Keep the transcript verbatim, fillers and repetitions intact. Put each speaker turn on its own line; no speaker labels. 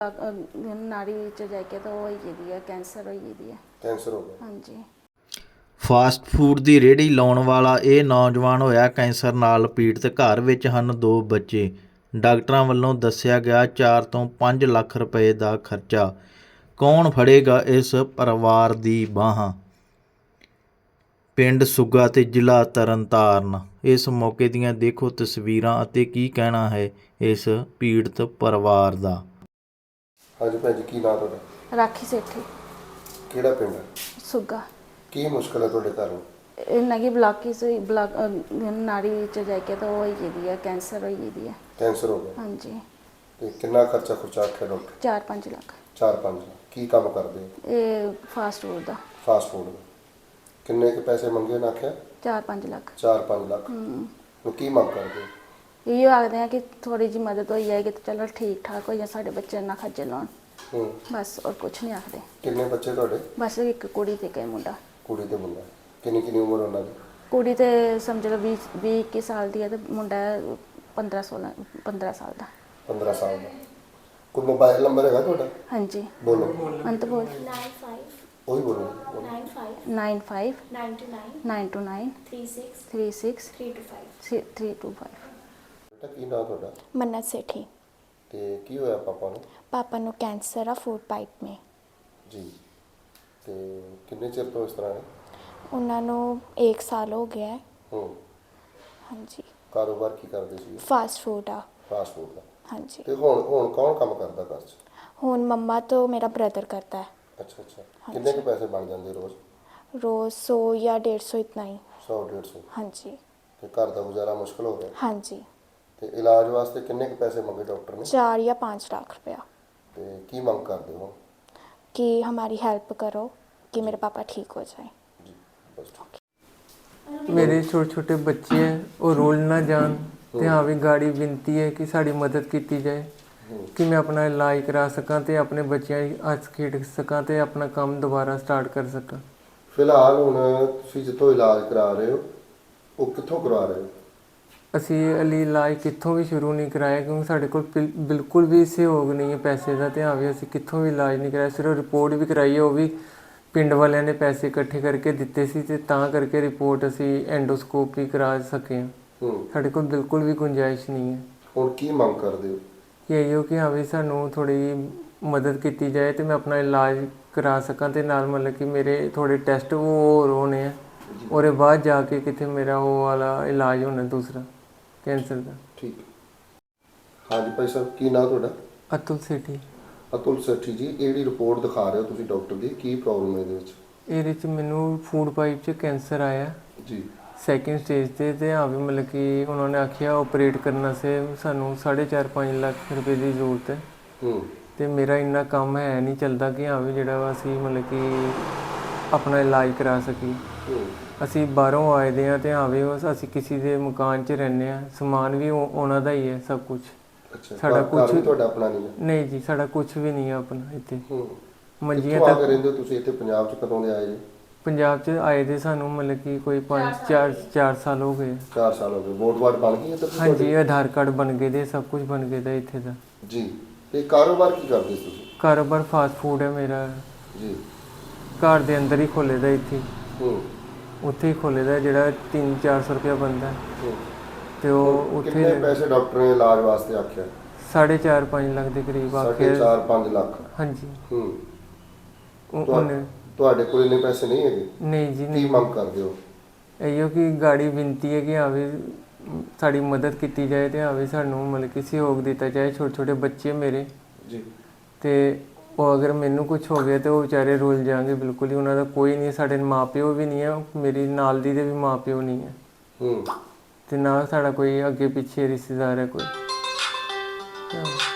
ਨਾੜੀ ਚ ਜਾ ਕੇ ਤਾਂ ਉਹ ਹੋਈ ਜਾਂਦੀ ਹੈ, ਕੈਂਸਰ ਹੋਈ ਜਾਂਦੀ ਹੈ।
ਕੈਂਸਰ ਹੋ ਗਿਆ।
ਹਾਂਜੀ।
ਫਾਸਟ ਫੂਡ ਦੀ ਰੇਹੜੀ ਲਾਉਣ ਵਾਲਾ ਇਹ ਨੌਜਵਾਨ ਹੋਇਆ ਕੈਂਸਰ ਨਾਲ ਪੀੜਤ। ਘਰ ਵਿੱਚ ਹਨ ਦੋ ਬੱਚੇ। ਡਾਕਟਰਾਂ ਵੱਲੋਂ ਦੱਸਿਆ ਗਿਆ ਚਾਰ ਤੋਂ ਪੰਜ ਲੱਖ ਰੁਪਏ ਦਾ ਖਰਚਾ। ਕੌਣ ਫੜੇਗਾ ਇਸ ਪਰਿਵਾਰ ਦੀ ਬਾਹਾਂ? ਪਿੰਡ ਸੁੱਗਾ ਤੇ ਜ਼ਿਲ੍ਹਾ ਤਰਨਤਾਰਨ। ਇਸ ਮੌਕੇ ਦੀਆਂ ਦੇਖੋ ਤਸਵੀਰਾਂ ਅਤੇ ਕੀ ਕਹਿਣਾ ਹੈ ਇਸ ਪੀੜਤ ਪਰਿਵਾਰ ਦਾ।
ਹਾਂਜੀ ਭੈਣ ਜੀ, ਕੀ ਨਾਂ ਤੁਹਾਡਾ?
ਰਾਖੀ ਸੇਠੀ,
ਕਿਹੜਾ ਪਿੰਡ ਹੈ?
ਸੁੱਗਾ।
ਕੀ ਮੁਸ਼ਕਲ ਹੈ ਤੁਹਾਡੇ ਘਰ ਨੂੰ?
ਇਹਨਾਂ ਦੀ ਬਲਾਕਿਸ ਹੋਈ, ਬਲਾਕ ਨਾੜੀ ਚ ਜਾ ਕੇ ਤਾਂ ਉਹ ਹੋਈ ਜਾਂਦੀ ਹੈ, ਕੈਂਸਰ ਹੋਈ ਜਾਂਦੀ ਹੈ।
ਕੈਂਸਰ ਹੋ ਗਿਆ।
ਹਾਂਜੀ।
ਤੇ ਕਿੰਨਾ ਖਰਚਾ ਖੁਰਚਾ ਆਖਿਆ ਡਾਕਟਰ?
ਚਾਰ ਪੰਜ ਲੱਖ।
ਚਾਰ ਪੰਜ ਲੱਖ। ਕੀ ਕੰਮ ਕਰਦੇ ਹੋ?
ਇਹ ਫਾਸਟ ਫੂਡ ਦਾ।
ਫਾਸਟ ਫੂਡ ਦਾ। ਕਿੰਨੇ ਕੁ ਪੈਸੇ ਮੰਗੇ ਨਾ ਆਖਿਆ?
ਚਾਰ ਪੰਜ ਲੱਖ।
ਚਾਰ ਪੰਜ ਲੱਖ।
ਹੂੰ।
ਨੂੰ ਕੀ ਮੰਗ ਕਰਦੇ ਹੋ?
ਇਹ ਆਖਦੇ ਆ ਕਿ ਥੋੜੀ ਜਿਹੀ ਮਦਦ ਹੋਈ ਜਾਏਗੀ ਤਾਂ ਚਲੋ ਠੀਕ ਠਾਕ ਹੋ ਜਾ, ਸਾਡੇ ਬੱਚੇ ਨਾ ਖੱਜਲ ਹੋਣ।
ਹੂੰ।
ਬਸ ਔਰ ਕੁਛ ਨਹੀਂ ਆਖਦੇ।
ਕਿੰਨੇ ਬੱਚੇ ਤੁਹਾਡੇ?
ਬਸ ਇੱਕ ਕੁੜੀ ਤੇ ਇੱਕ ਮੁੰਡਾ।
ਕੁੜੀ ਤੇ ਮੁੰਡਾ। ਕਿੰਨੀ ਕਿੰਨੀ ਉਮਰ ਉਹਨਾਂ ਦੀ?
ਕੁੜੀ ਤੇ ਸਮਝ ਲਓ ਵੀਹ ਵੀਹ ਇੱਕੀ ਸਾਲ ਦੀ ਹੈ ਤੇ ਮੁੰਡਾ ਪੰਦਰਾਂ ਸੋਲਾਂ ਪੰਦਰਾਂ ਸਾਲ ਦਾ।
ਪੰਦਰਾਂ ਸਾਲ ਦਾ। ਕੋਈ ਮੋਬਾਈਲ ਨੰਬਰ ਹੈਗਾ ਤੁਹਾਡਾ?
ਹਾਂਜੀ।
ਬੋਲੋ।
ਅੰਤ ਬੋਲ।
nine five
ਉਹੀ ਬੋਲੋ।
nine five
nine five
nine two nine
nine two nine
three six
three six
three two five।
Three two five.
ਬੇਟਾ ਕੀ ਨਾਂ ਤੁਹਾਡਾ?
मन्नत सेठी।
ਤੇ ਕੀ ਹੋਇਆ ਪਾਪਾ ਨੂੰ?
पापा नु कैंसर आ फूड पाइप में।
ਜੀ। ਤੇ ਕਿੰਨੇ ਚਿਰ ਤੋਂ ਇਸ ਤਰ੍ਹਾਂ ਹੈ?
उन्होंने एक साल हो गया है।
ਹੂੰ।
हाँ जी।
ਕਾਰੋਬਾਰ ਕੀ ਕਰਦੇ ਸੀ?
फास्ट फूड आ।
ਫਾਸਟ ਫੂਡ ਦਾ।
हाँ जी।
ਤੇ ਹੁਣ ਹੁਣ ਕੌਣ ਕੰਮ ਕਰਦਾ ਘਰ 'ਚ?
हुन मम्मा तो मेरा ब्रदर करता है।
ਅੱਛਾ ਅੱਛਾ। ਕਿੰਨੇ ਕੁ ਪੈਸੇ ਬਣ ਜਾਂਦੇ ਰੋਜ਼?
रोज सौ या डेढ़ सौ इतना ही।
ਸੌ ਡੇਢ ਸੌ।
हाँ जी।
ਤੇ ਘਰ ਦਾ ਗੁਜ਼ਾਰਾ ਮੁਸ਼ਕਲ ਹੋ ਗਿਆ।
हाँ जी।
ਤੇ ਇਲਾਜ ਵਾਸਤੇ ਕਿੰਨੇ ਕੁ ਪੈਸੇ ਮੰਗੇ ਡਾਕਟਰ ਨੇ?
चार या पाँच लाख रुपया।
ਤੇ ਕੀ ਮੰਗ ਕਰਦੇ ਹੋ?
कि हमारी हेल्प करो कि मेरे पापा ठीक हो जाए।
ਜੀ ਬਸ ਠੀਕ।
मेरे छोटे छोटे बच्चे हैं, वो रोल ना जान ते हाँ भी गाड़ी विनती है कि साड़ी मदद की जाए कि मैं अपना इलाज करा सकां ते अपने बच्चों हੱਸ खेड सकां ते अपना काम दोबारा स्टार्ट कर सकां।
ਫਿਲਹਾਲ ਹੁਣ ਤੁਸੀਂ ਜਿੱਥੋਂ ਇਲਾਜ ਕਰਾ ਰਹੇ ਹੋ ਉਹ ਕਿੱਥੋਂ ਕਰਵਾ ਰਹੇ ਹੋ?
ਅਸੀਂ ਅਲੀ ਇਲਾਜ ਕਿੱਥੋਂ ਵੀ ਸ਼ੁਰੂ ਨਹੀਂ ਕਰਾਇਆ ਕਿਉਂਕਿ ਸਾਡੇ ਕੋਲ ਬਿਲ- ਬਿਲਕੁਲ ਵੀ ਸਹਿਯੋਗ ਨਹੀਂ ਹੈ ਪੈਸੇ ਦਾ। ਤੇ ਹਾਂ ਵੀ ਅਸੀਂ ਕਿੱਥੋਂ ਵੀ ਇਲਾਜ ਨਹੀਂ ਕਰਾਇਆ, ਸਿਰਫ ਰਿਪੋਰਟ ਵੀ ਕਰਾਈ ਹੈ, ਉਹ ਵੀ ਪਿੰਡ ਵਾਲਿਆਂ ਨੇ ਪੈਸੇ ਇਕੱਠੇ ਕਰਕੇ ਦਿੱਤੇ ਸੀ ਤੇ ਤਾਂ ਕਰਕੇ ਰਿਪੋਰਟ ਅਸੀਂ ਐਂਡੋਸਕੋਪ ਵੀ ਕਰਾ ਸਕੇ ਹਾਂ।
ਹੂੰ।
ਸਾਡੇ ਕੋਲ ਬਿਲਕੁਲ ਵੀ ਗੁੰਜਾਇਸ਼ ਨਹੀਂ ਹੈ।
ਹੁਣ ਕੀ ਮੰਗ ਕਰਦੇ ਹੋ?
ਕਿ ਇਹੋ ਕਿ ਹਾਂ ਵੀ ਸਾਨੂੰ ਥੋੜ੍ਹੀ ਮਦਦ ਕੀਤੀ ਜਾਏ ਤੇ ਮੈਂ ਆਪਣਾ ਇਲਾਜ ਕਰਾ ਸਕਾਂ ਤੇ ਨਾਲ ਮਤਲਬ ਕਿ ਮੇਰੇ ਥੋੜ੍ਹੇ ਟੈਸਟ ਉਹ ਹੋਰ ਹੋਣੇ ਆ, ਉਹਦੇ ਬਾਅਦ ਜਾ ਕੇ ਕਿਤੇ ਮੇਰਾ ਉਹ ਵਾਲਾ ਇਲਾਜ ਹੋਣਾ ਦੂਸਰਾ ਕੈਂਸਰ ਦਾ।
ਠੀਕ ਹੈ। ਹਾਂਜੀ ਭਾਈ ਸਾਹਿਬ, ਕੀ ਨਾਂ ਤੁਹਾਡਾ?
ਅਤੁਲ ਸੇਠੀ।
ਅਤੁਲ ਸੇਠੀ ਜੀ, ਇਹ ਜਿਹੜੀ ਰਿਪੋਰਟ ਦਿਖਾ ਰਹੇ ਹੋ ਤੁਸੀਂ ਡਾਕਟਰ ਦੀ, ਕੀ ਪ੍ਰੋਬਲਮ ਹੈ ਇਹਦੇ ਵਿੱਚ?
ਇਹਦੇ 'ਚ ਮੈਨੂੰ ਫੂਡ ਪਾਈਪ 'ਚ ਕੈਂਸਰ ਆਇਆ
ਜੀ।
ਸੈਕਿੰਡ ਸਟੇਜ 'ਤੇ ਤੇ ਹਾਂ ਵੀ ਮਤਲਬ ਕਿ ਉਹਨਾਂ ਨੇ ਆਖਿਆ ਆਪਰੇਟ ਕਰਨ ਸੇ ਸਾਨੂੰ ਸਾਢੇ ਚਾਰ ਪੰਜ ਲੱਖ ਰੁਪਏ ਦੀ ਜ਼ਰੂਰਤ ਹੈ।
ਹੂੰ।
ਤੇ ਮੇਰਾ ਇੰਨਾ ਕੰਮ ਹੈ ਨਹੀਂ ਚੱਲਦਾ ਕਿ ਹਾਂ ਵੀ ਜਿਹੜਾ ਵਾ ਅਸੀਂ ਮਤਲਬ ਕਿ ਆਪਣਾ ਇਲਾਜ ਕਰਾ ਸਕੀਏ।
ਹੂੰ।
ਅਸੀਂ ਬਾਹਰੋਂ ਆਏ ਦੇ ਹਾਂ ਤੇ ਹਾਂ ਵੀ ਉਹ ਅਸੀਂ ਕਿਸੇ ਦੇ ਮਕਾਨ 'ਚ ਰਹਿੰਦੇ ਹਾਂ, ਸਮਾਨ ਵੀ ਉਹ- ਉਹਨਾਂ ਦਾ ਹੀ ਹੈ ਸਭ ਕੁਝ।
ਅੱਛਾ।
ਸਾਡਾ
ਘਰ- ਘਰ
ਕੁਛ-
ਵੀ ਤੁਹਾਡਾ ਆਪਣਾ ਨਹੀਂ ਹੈ?
ਨਹੀਂ ਜੀ, ਸਾਡਾ ਕੁਝ ਵੀ ਨਹੀਂ ਹੈ ਆਪਣਾ ਇੱਥੇ।
ਹੂੰ।
ਮੰਜੀਆਂ
ਕਿੱਥੋਂ ਆ ਕੇ
ਤੱਕ
ਰਹਿੰਦੇ ਹੋ ਤੁਸੀਂ ਇੱਥੇ ਪੰਜਾਬ 'ਚ? ਕਦੋਂ ਦੇ ਆਏ ਜੀ?
ਪੰਜਾਬ 'ਚ ਆਏ ਦੇ ਸਾਨੂੰ ਮਤਲਬ ਕਿ ਕੋਈ ਪੰਜ ਚਾਰ ਚਾਰ ਸਾਲ ਹੋ ਗਏ।
ਚਾਰ ਸਾਲ ਹੋ ਗਏ। ਵੋਟ ਵਾਟ ਬਣ ਗਈ ਇੱਧਰ ਦੀ
ਹਾਂਜੀ,
ਤੁਹਾਡੀ?
ਆਧਾਰ ਕਾਰਡ ਬਣ ਗਏ ਦੇ, ਸਭ ਕੁਝ ਬਣ ਗਏ ਦਾ ਇੱਥੇ ਦਾ।
ਜੀ। ਤੇ ਕਾਰੋਬਾਰ ਕੀ ਕਰਦੇ ਸੀ ਤੁਸੀਂ?
ਕਾਰੋਬਾਰ ਫਾਸਟ ਫੂਡ ਹੈ ਮੇਰਾ।
ਜੀ।
ਘਰ ਦੇ ਅੰਦਰ ਹੀ ਖੋਲ੍ਹੇ ਦਾ ਇੱਥੇ,
ਹੂੰ।
ਉੱਥੇ ਹੀ ਖੋਲ੍ਹੇ ਦਾ ਜਿਹੜਾ ਤਿੰਨ ਚਾਰ ਸੌ ਰੁਪਇਆ ਬਣਦਾ
ਹੂੰ।
ਤੇ ਉਹ
ਹੁਣ
ਉੱਥੇ
ਕਿੰਨੇ ਪੈਸੇ ਡਾਕਟਰ ਨੇ ਇਲਾਜ ਵਾਸਤੇ ਆਖਿਆ?
ਸਾਢੇ ਚਾਰ ਪੰਜ ਲੱਖ ਦੇ ਕਰੀਬ
ਸਾਢੇ
ਆਖਿਆ।
ਚਾਰ ਪੰਜ ਲੱਖ।
ਹਾਂਜੀ।
ਹੂੰ।
ਉਹ-
ਤੁਹਾ-
ਉਹਨੇ
ਤੁਹਾਡੇ ਕੋਲ ਇੰਨੇ ਪੈਸੇ ਨਹੀਂ ਹੈਗੇ?
ਨਹੀਂ ਜੀ
ਕੀ
ਨਹੀਂ।
ਮੰਗ ਕਰਦੇ ਹੋ?
ਇਹੋ ਕਿ ਗਾੜੀ ਬੇਨਤੀ ਹੈ ਕਿ ਹਾਂ ਵੀ ਸਾਡੀ ਮਦਦ ਕੀਤੀ ਜਾਏ ਤੇ ਹਾਂ ਵੀ ਸਾਨੂੰ ਮਤਲਬ ਕਿ ਸਹਿਯੋਗ ਦਿੱਤਾ ਜਾਏ। ਛੋਟੇ ਛੋਟੇ ਬੱਚੇ ਮੇਰੇ
ਜੀ।
ਤੇ ਉਹ ਅਗਰ ਮੈਨੂੰ ਕੁਝ ਹੋ ਗਿਆ ਤੇ ਉਹ ਵਿਚਾਰੇ ਰੁੱਲ ਜਾਣਗੇ ਬਿਲਕੁਲ ਹੀ। ਉਹਨਾਂ ਦਾ ਕੋਈ ਨਹੀਂ, ਸਾਡੇ ਮਾਂ ਪਿਓ ਵੀ ਨਹੀਂ ਹੈ, ਮੇਰੀ ਨਾਲ ਦੀ ਦੇ ਵੀ ਮਾਂ ਪਿਓ ਨਹੀਂ ਹੈ
ਹੂੰ।
ਤੇ ਨਾ ਸਾਡਾ ਕੋਈ ਅੱਗੇ ਪਿੱਛੇ ਰਿਸ਼ਤੇਦਾਰ ਹੈ ਕੋਈ। ਹਾਂ।